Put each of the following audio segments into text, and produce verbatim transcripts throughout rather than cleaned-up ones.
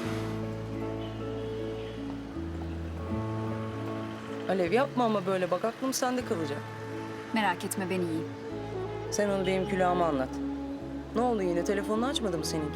Alev yapma ama böyle bak aklım sende kalacak. Merak etme ben iyiyim. Sen onu benim külahıma anlat. Ne oldu yine telefonunu açmadı mı seninki?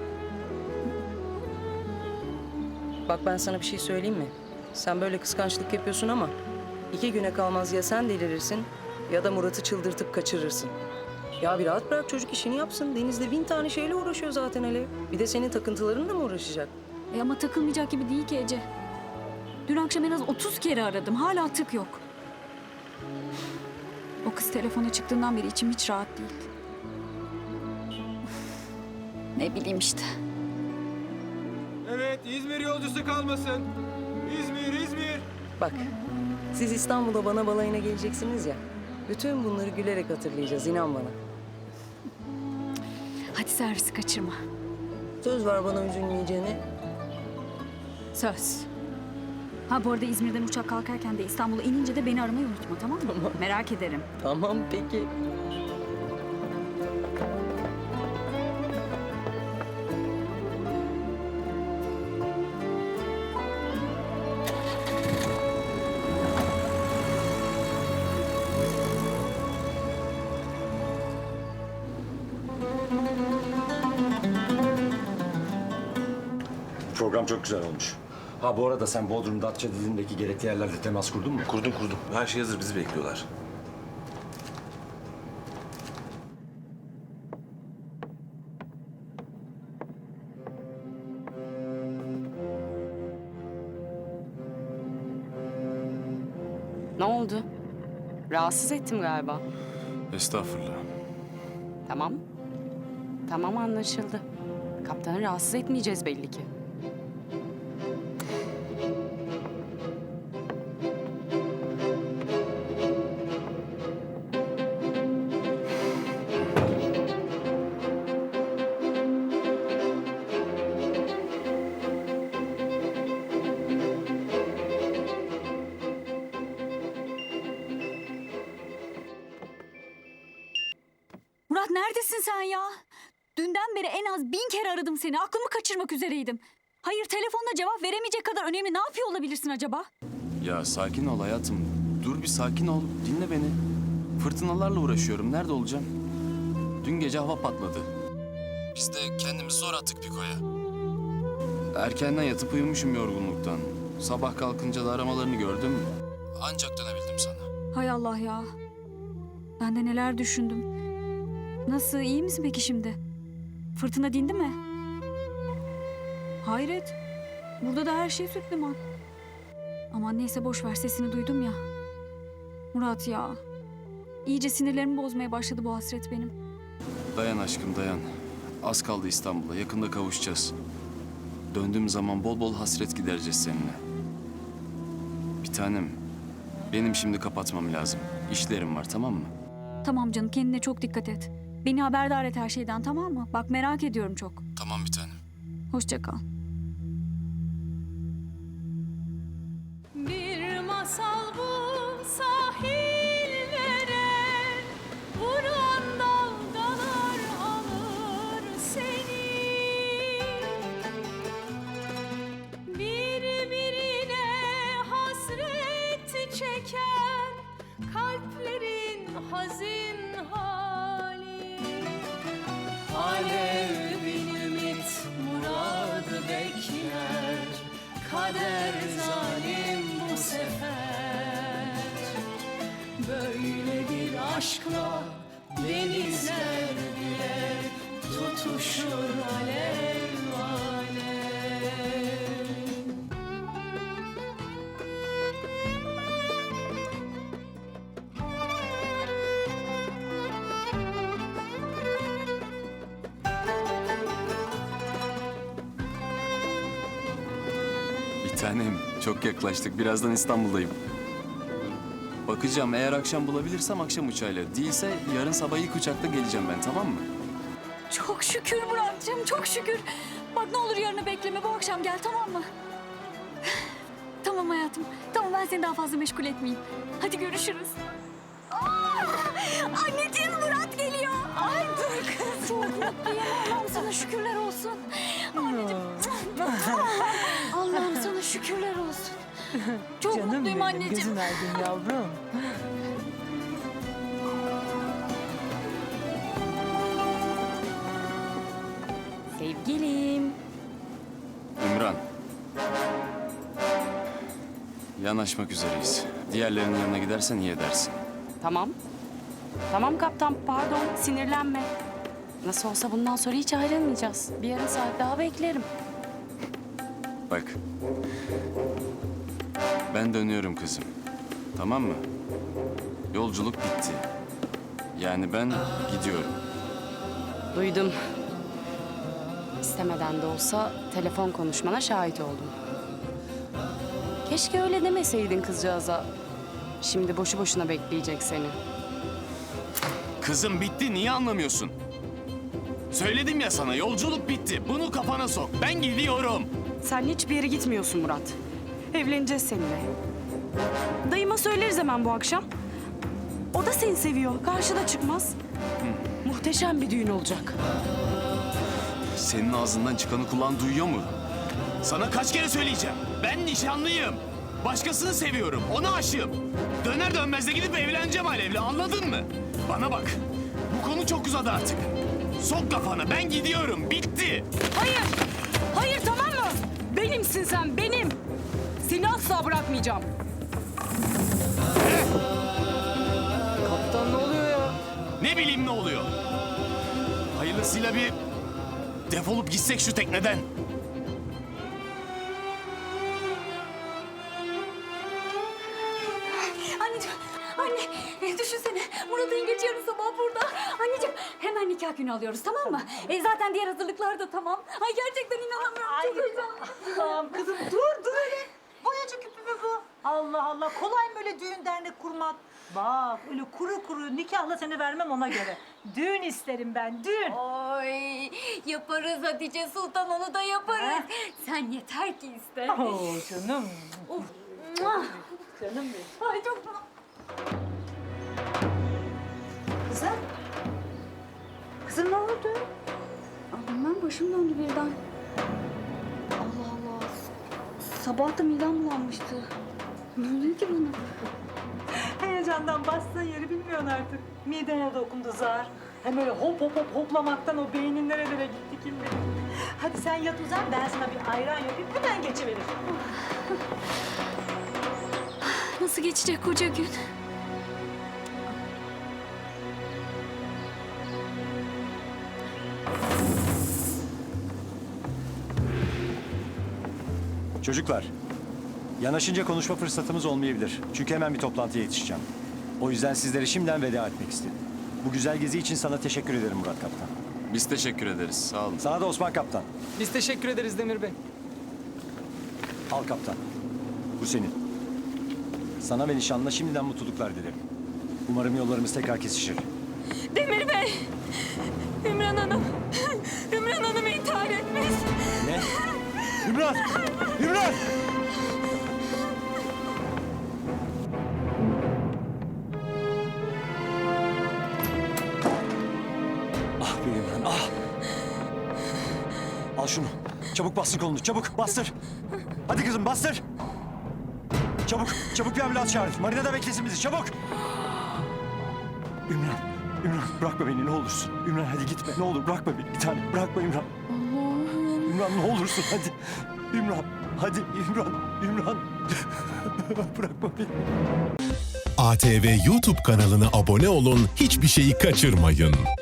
Bak ben sana bir şey söyleyeyim mi? Sen böyle kıskançlık yapıyorsun ama iki güne kalmaz ya sen delirirsin ya da Murat'ı çıldırtıp kaçırırsın. Ya bir rahat bırak çocuk işini yapsın. Deniz'de bin tane şeyle uğraşıyor zaten Alev. Bir de senin takıntılarınla mı uğraşacak? E ama takılmayacak gibi değil ki Ece. Dün akşam en az otuz kere aradım. Hala tık yok. O kız telefona çıktığından beri içim hiç rahat değil. Ne bileyim işte. Evet, İzmir yolcusu kalmasın. İzmir, İzmir. Bak siz İstanbul'a bana balayına geleceksiniz ya. Bütün bunları gülerek hatırlayacağız inan bana. Hadi servisi kaçırma. Söz ver bana üzülmeyeceğine. Söz. Ha bu arada İzmir'den uçak kalkarken de İstanbul'a inince de beni aramayı unutma, tamam mı? Tamam. Merak ederim. Tamam peki. Program çok güzel olmuş. Ha bu arada sen Bodrum, Datça dilindeki gerekli yerlerde temas kurdun mu? Kurdum kurdum. Her şey hazır. Bizi bekliyorlar. Ne oldu? Rahatsız ettim galiba. Estağfurullah. Tamam. Tamam anlaşıldı. Kaptanı rahatsız etmeyeceğiz belli ki. Murat neredesin sen ya? Dünden beri en az bin kere aradım seni. Aklımı kaçırmak üzereydim. Hayır telefonla cevap veremeyecek kadar önemli ne yapıyor olabilirsin acaba? Ya sakin ol hayatım. Dur bir sakin ol. Dinle beni. Fırtınalarla uğraşıyorum. Nerede olacağım? Dün gece hava patladı. Biz de kendimizi zor attık Piko'ya. Erkenden yatıp uyumuşum yorgunluktan. Sabah kalkınca da aramalarını gördüm. Ancak dönebildim sana. Hay Allah ya. Ben de neler düşündüm. Nasıl, iyi misin peki şimdi? Fırtına dindi mi? Hayret. Burada da her şey süt liman. Aman neyse boş ver, sesini duydum ya. Murat ya. İyice sinirlerimi bozmaya başladı bu hasret benim. Dayan aşkım dayan. Az kaldı İstanbul'a. Yakında kavuşacağız. Döndüğüm zaman bol bol hasret gidereceğiz seninle. Bir tanem. Benim şimdi kapatmam lazım. İşlerim var, tamam mı? Tamam canım, kendine çok dikkat et. Beni haberdar et her şeyden, tamam mı? Bak merak ediyorum çok. Tamam bir tanem. Hoşça kal. Bir masal bu sahillere, vuran dalgalar alır seni. Birbirine hasret çeken kalplerin hazin hali. Alev bin ümit muradı bekler, kader zalim bu sefer. Böyle bir aşkla denizler bile tutuşur alev alev. Bir tanem, çok yaklaştık. Birazdan İstanbul'dayım. Bakacağım, eğer akşam bulabilirsem akşam uçağıyla. Değilse yarın sabah ilk uçakta geleceğim ben, tamam mı? Çok şükür Muratcığım, çok şükür. Bak ne olur yarını bekleme, bu akşam gel, tamam mı? Tamam hayatım, tamam ben seni daha fazla meşgul etmeyeyim. Hadi görüşürüz. Aa, anneciğim Murat geliyor. Ay dur kız. Çok mutluyum, Allah'ım sana şükürler olsun. Anneciğim. Çok Canım mutluyum benim, anneciğim. gözün aydın yavrum. Sevgilim. Ümran. Yanaşmak üzereyiz. Diğerlerinin yanına gidersen iyi edersin. Tamam. Tamam kaptan, pardon, sinirlenme. Nasıl olsa bundan sonra hiç ayrılmayacağız. Bir yarım saat daha beklerim. Bak. Ben dönüyorum kızım. Tamam mı? Yolculuk bitti. Yani ben gidiyorum. Duydum. İstemeden de olsa telefon konuşmana şahit oldum. Keşke öyle demeseydin kızcağıza. Şimdi boşu boşuna bekleyecek seni. Kızım bitti, niye anlamıyorsun? Söyledim ya sana, yolculuk bitti. Bunu kafana sok. Ben gidiyorum. Sen hiçbir yere gitmiyorsun Murat. Evleneceğiz seninle. Dayıma söyleriz hemen bu akşam. O da seni seviyor. Karşına çıkmaz. Muhteşem bir düğün olacak. Senin ağzından çıkanı kulağın duyuyor mu? Sana kaç kere söyleyeceğim. Ben nişanlıyım. Başkasını seviyorum. Ona aşığım. Döner dönmez de gidip evleneceğim Alev'le. Anladın mı? Bana bak. Bu konu çok uzadı artık. Sok kafana. Ben gidiyorum. Bitti. Hayır! Hayır, tamam mı? Benimsin sen, benim. Seni asla bırakmayacağım. Kaptan ne oluyor ya? Ne bileyim ne oluyor. Hayırlısıyla bir defolup gitsek şu tekneden. Anneciğim, anne e, düşünsene Murat yengeç yarın sabah burada. Anneciğim hemen nikah günü alıyoruz, tamam mı? E, zaten diğer hazırlıklar da tamam. Ay gerçekten inanamıyorum. Çok heyecanlıyım. Tamam kızım dur dur öyle. Boyacı küpü mü bu? Allah Allah, kolay mı öyle düğün dernek kurmak? Bak öyle kuru kuru nikahla seni vermem ona göre. Düğün isterim ben, düğün. Ay yaparız Hatice Sultan, onu da yaparız. Sen yeter ki iste. Oo canım. Of. Muah. Canım benim. Ay çok Kızım. Kızım ne oldu? Bilmem, başım döndü birden. Allah Allah. Sabah da midem bulanmıştı. Ne oluyor ki bana? Heyecandan bastığın yeri bilmiyorsun artık. Midene dokundu zar. Hem öyle hop hop hop hoplamaktan o beynin nerelere gitti kim bilir. Hadi sen yat uzan, ben sana bir ayran yapayım, hemen geçiveririm. Nasıl geçecek koca gün? Çocuklar, yanaşınca konuşma fırsatımız olmayabilir. Çünkü hemen bir toplantıya yetişeceğim. O yüzden sizlere şimdiden veda etmek istedim. Bu güzel gezi için sana teşekkür ederim Murat Kaptan. Biz teşekkür ederiz. Sağ olun. Sana da Osman Kaptan. Biz teşekkür ederiz Demir Bey. Al Kaptan. Bu senin. Sana ve nişanlına şimdiden mutluluklar dilerim. Umarım yollarımız tekrar kesişir. Demir Bey! Ümran Hanım! Ümran Hanım intihar etmiş. Ne? Ümran! Ümran! Ah be Ümran, ah! Al şunu. Çabuk bastır kolunu, çabuk bastır. Hadi kızım bastır. Çabuk, çabuk bir ambulans çağır. Marina da beklesin bizi, çabuk. Ümran, Ümran bırakma beni ne olursun. Ümran hadi gitme, ne olur bırakma beni bir tane. Bırakma Ümran. Ümran ne olursun hadi. Ümran, hadi Ümran, Ümran. Bırakma beni. A T V YouTube kanalına abone olun, hiçbir şeyi kaçırmayın.